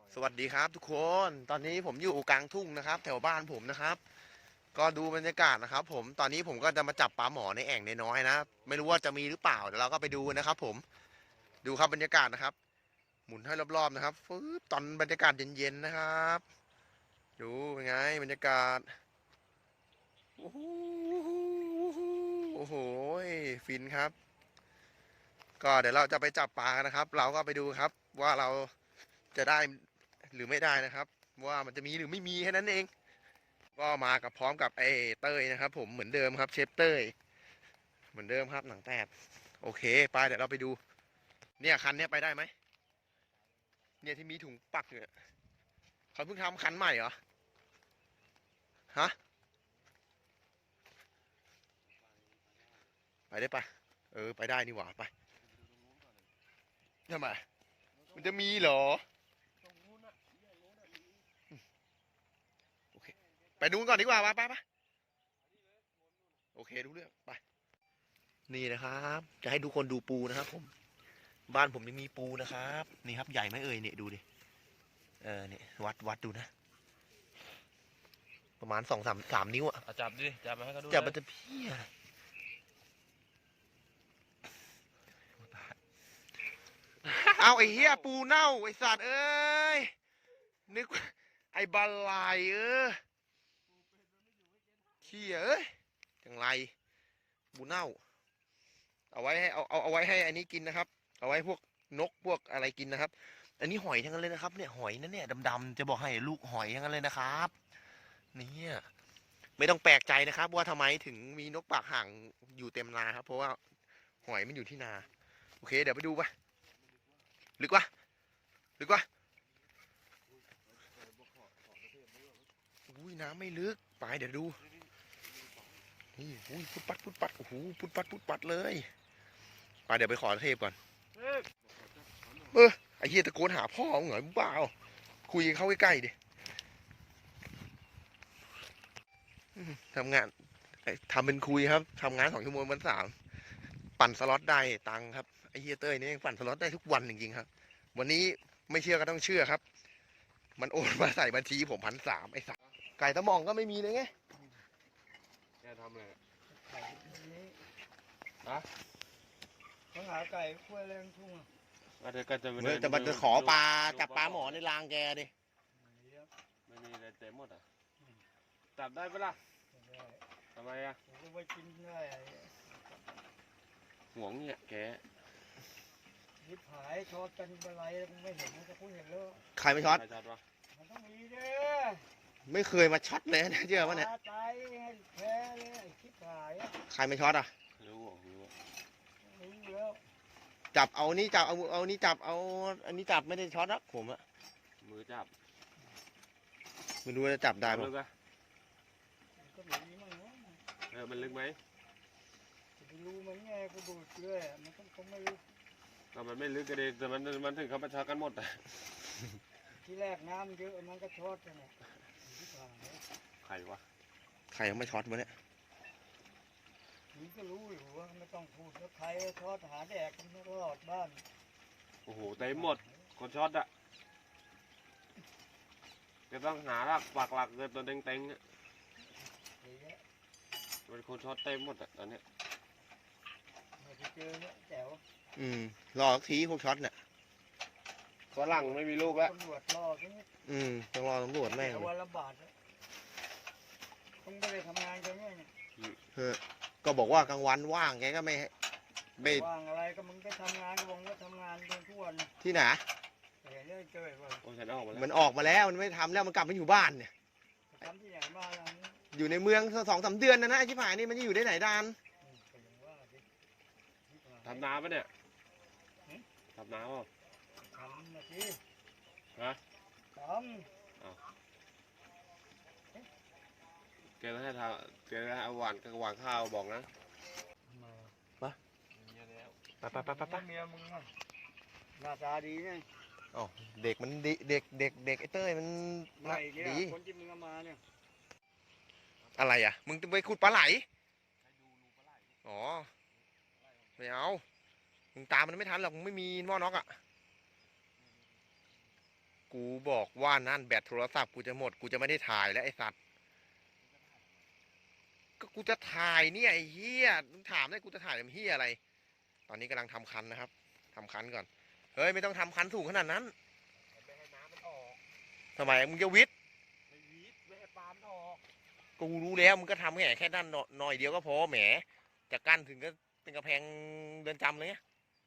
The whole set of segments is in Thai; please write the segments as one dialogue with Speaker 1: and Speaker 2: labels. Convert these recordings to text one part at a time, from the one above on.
Speaker 1: สวัสดีครับทุกคน ตอนนี้ผมอยู่กลางทุ่งนะครับแถวบ้านผมนะครับก็ดูบรรยากาศนะครับผมตอนนี้ผมก็จะมาจับปลาหมอในแอ่งน้อยๆนะไม่รู้ว่าจะมีหรือเปล่าเดี๋ยวเราก็ไปดูนะครับผมดูครับบรรยากาศนะครับหมุนให้รอบๆนะครับฟึ๊บตอนบรรยากาศเย็นๆนะครับดูเป็นไงบรรยากาศโอ้โหโอ้โหฟินครับก็เดี๋ยวเราจะไปจับปลากันนะครับเราก็ไปดูครับว่าเราจะได้หรือไม่ได้นะครับว่ามันจะมีหรือไม่มีแค่นั้นเอง ก็มากับพร้อมกับไอ้เต้ยนะครับผมเหมือนเดิมครับเชฟเต้ยเหมือนเดิมครับหนังแตกโอเคไปเดี๋ยวเราไปดูเนี่ยคันเนี้ยไปได้ไหมเนี่ยที่มีถุงปักเนี่ยเขาเพิ่งทำคันใหม่เหรอฮะไปได้ปะไปได้นี่หว่าไปทำไมมันจะมีเหรอโอเคไปดูก่อนดีกว่าไปโอเคดูเรื่องไปนี่นะครับจะให้ทุกคนดูปูนะครับผมบ้านผมยังมีปูนะครับนี่ครับใหญ่ไหมเอ่ยเนี่ยดูดิเนี่ยวัดดูนะประมาณสามนิ้วอะ
Speaker 2: จับดิจับมาให้เขาดู
Speaker 1: จับ
Speaker 2: เลย
Speaker 1: มันจะเพี้ยเอาไอ้เหี้ยปูเน่าไอ้สัตว์เอ้ยนึกว่าไอ้บาลายเขี้ยเอ้ยจังไรปูเน่าเอาไว้ให้เอาไว้ให้อันนี้กินนะครับเอาไว้พวกนกพวกอะไรกินนะครับอันนี้หอยทั้งนั้นเลยนะครับเนี่ยหอยนั่นเนี่ยดำๆจะบอกให้ลูกหอยทั้งนั้นเลยนะครับเนี่ยไม่ต้องแปลกใจนะครับว่าทำไมถึงมีนกปากห่างอยู่เต็มนาครับเพราะว่าหอยมันอยู่ที่นาโอเคเดี๋ยวไปดูปะลึกวะลึกวะอุ้ยน้ำไม่ลึกไปเดี๋ยวดูนี่อุ้ยพุดปัดโอ้โหพุดปัดเลยไปเดี๋ยวไปขอเทพก่อนไอ้เฮียตะโกนหาพ่อมึงเหรอบ้าคุยเข้าใกล้ๆดิทำงานทำเป็นคุยครับทำงาน2 ชั่วโมงวัน3ปั่นสล็อตได้ตังค์ครับไอ้เฮียเต้ยนี่ปั่นสล็อตได้ทุกวันจริงๆครับวันนี้ไม่เชื่อก็ต้องเชื่อครับมันโอนมาใส่บัญชีผม1,300ไอ้สัสไก่ตะหม่องก็ไม่มีเลยไง
Speaker 2: แกทำเลย
Speaker 3: ไก่นี้
Speaker 2: ฮะ
Speaker 3: เขาหาไก่ขั้วแรงทุ่ง
Speaker 2: ก็จะ
Speaker 1: เฮ้ยแต่มันจะขอปลาจับปลาหมอในรางแกดิ
Speaker 2: ไม่มีอะไรเต็มหมดอ่ะจับได้ปะล่ะทำไมอ่ะ
Speaker 3: ผมก็ไปกินได้
Speaker 2: ห่วงเนี่ยแก
Speaker 3: ยิบหายทอดกันอะไรไม่เห็นมันจะพูดเห็นแล้ว
Speaker 1: ใครไม่ช็อต
Speaker 2: ใครช็อตวะ
Speaker 3: มันต้องมีเด้อ
Speaker 1: ไม่เคยมาช็อตเลยนะเชื่อป่ะเนี่ย
Speaker 3: ตายให้แพ้เลยไอ้คิดหาย
Speaker 1: ใครไม่ช็อตอ่ะ
Speaker 2: รู้
Speaker 3: รู้แล้ว
Speaker 1: จับเอานี่จับเอานี่จับเอาอันนี้จับไม่ได้ช็อตนะผมอะ
Speaker 2: มือจับ
Speaker 1: ไม่รู้จะจับได้ป่ะ
Speaker 2: ลึกอะ
Speaker 3: ก็หนีมั่ง
Speaker 2: มันลึกไหม
Speaker 3: จะไปรู้มันไงกูดูเชื่อมันต้องคงไม่รู้
Speaker 2: ก็มันไม่ลึกก็ดีแต่มันถึงเขามาช็อตกันหมดอ่ะ
Speaker 3: ที่แรกน้ำเยอะมันก็ช็อตกันเนี่ย
Speaker 2: ใครวะ
Speaker 1: ใครยังไม่ช็อตวะเนี่ย
Speaker 3: นี่ก็รู้อยู่ว่าไม่ต้องพูดว่าใครช็อตหาแดกกันตลอดบ้าน
Speaker 2: โอ้โหเต็มหมดคนช็อตอ่ะจะต้องหาหลักปักหลักเกินตัวเต็งๆอ่ะมันคนช็อตเต็มหมดอ่ะตอนเนี้ย
Speaker 3: ไปเจอเนี่ยแจ๋ว
Speaker 1: รอสักทีพวกช็อตเนี่ย
Speaker 2: ฝรั่งไม่มีลูกแล้ว
Speaker 3: ตำรวจรอใช่ไหม
Speaker 1: ต้องรอตำรวจแม่ง
Speaker 3: วันละบาทต้องไปทำงานกันเนี่ย
Speaker 1: ก็บอกว่ากลางวันว่างแกก็ไม่
Speaker 3: ว่างอะไรก็มึงไปทำงานก็บอกว่าทำงานกันทุกวัน
Speaker 1: ที่ไหน
Speaker 3: เห็นเลยเจอว่า
Speaker 2: โอ้ฉันออกมาแล้ว
Speaker 1: มันออกมาแล้วมันไม่ทำแล้วมันกลับมาอยู่บ้านเนี่ย
Speaker 3: ทำที่ไหนมาล่ะ
Speaker 1: อยู่ในเมือง2-3 เดือนนะไอ้ชิบหายนี่มันจะอยู่ได้ไหนดาน
Speaker 2: ทำน้ำปะเนี่ยทำน้ำป่ะ
Speaker 3: ทำนะสิ
Speaker 2: ฮะ
Speaker 3: ท
Speaker 2: แกต้องให้ทำแกต้องเอาหวานข้าวบอกนะ
Speaker 1: ไป
Speaker 3: เมียมึงหน้าตาดีไง
Speaker 1: อ๋อเด็กมันดีเด็กไอ้เต้ยมัน
Speaker 3: ดีคนที่มึงเอามาเนี่ย
Speaker 1: อะไรอ่ะมึงไปขุดปลาไหลอ๋อไม่เอามึงตามมันไม่ทันหรอกมึงไม่มีหม้อน็อกอ่ะกูบอกว่านั่นแบตโทรศัพท์กูจะหมดกูจะไม่ได้ถ่ายแล้วไอ้สัตว์ก็กูจะถ่ายเนี่ยไอ้เหี้ยมึงถามได้กูจะถ่ายทำเหี้ยอะไร ตอนนี้กำลังทำคันนะครับทำคันก่อนเฮ้ยไม่ต้องทำคันสูงขนาดนั้น
Speaker 2: ไม่ให้น้ำมันออก
Speaker 1: ทำไมมึงจะวิทย์
Speaker 2: ไม่วีดไม่ให้ปลามันออก
Speaker 1: กูรู้แล้วมึงก็ทำแค่ด้านหน่อยเดียวก็พอแหมจะกั้นถึงก็เป็นกระแพงเรือนจำเลยไง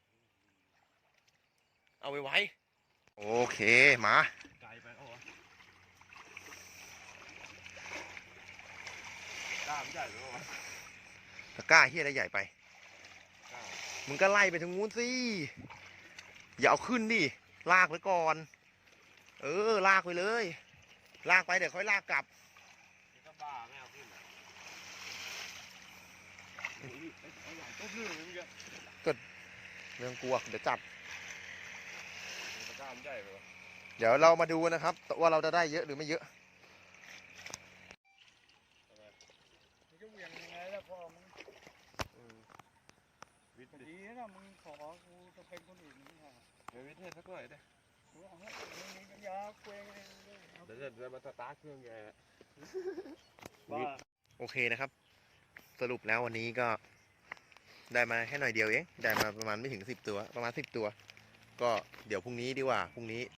Speaker 1: เอาไว้โอเคมา
Speaker 2: ไกลไปเอาวะกล้ามใหญ่ไปวะ
Speaker 1: ตะกร้าเฮียอะไรใหญ่ไป
Speaker 2: กล้าม
Speaker 1: มึงก็ไล่ไปทางนู้นสิอย่าเอาขึ้นดิลากไว้ก่อนลากไปเลย ลากไปเดี๋ยวค่อยลากกลับ
Speaker 2: นี่ก็บ้าไม่เอาขึ้นอ่ะเอาใหญ่ต้มเรื่องเลยเมื่อกี้
Speaker 1: เรื่องกลัวเดี๋ยวจัด
Speaker 2: กล้ามใหญ่ไปวะ
Speaker 1: เดี๋ยวเรามาดูนะครับว่าเราจะได้เยอะหรือไม่เยอะ
Speaker 3: มึงจะเหวี่ยงยังไงล่ะพ่อมึง
Speaker 2: วิทย์ดิ
Speaker 3: ดีนะมึงขอกูจะเป็นคนอื่นนี่ฮะ
Speaker 2: ไม่วิทย์ให้สักหน่อยดิ
Speaker 3: กูเอาให้มึงมีปัญญาเคว้งเองเลย
Speaker 2: เดี๋ยวจะมาสตาร์ทเครื่องแก
Speaker 3: บ้า
Speaker 1: โอเคนะครับ สรุปแล้ววันนี้ก็ได้มาแค่หน่อยเดียวเองได้มาประมาณไม่ถึง10 ตัวประมาณ10 ตัว ก็เดี๋ยวพรุ่งนี้ดีกว่าพรุ่งนี้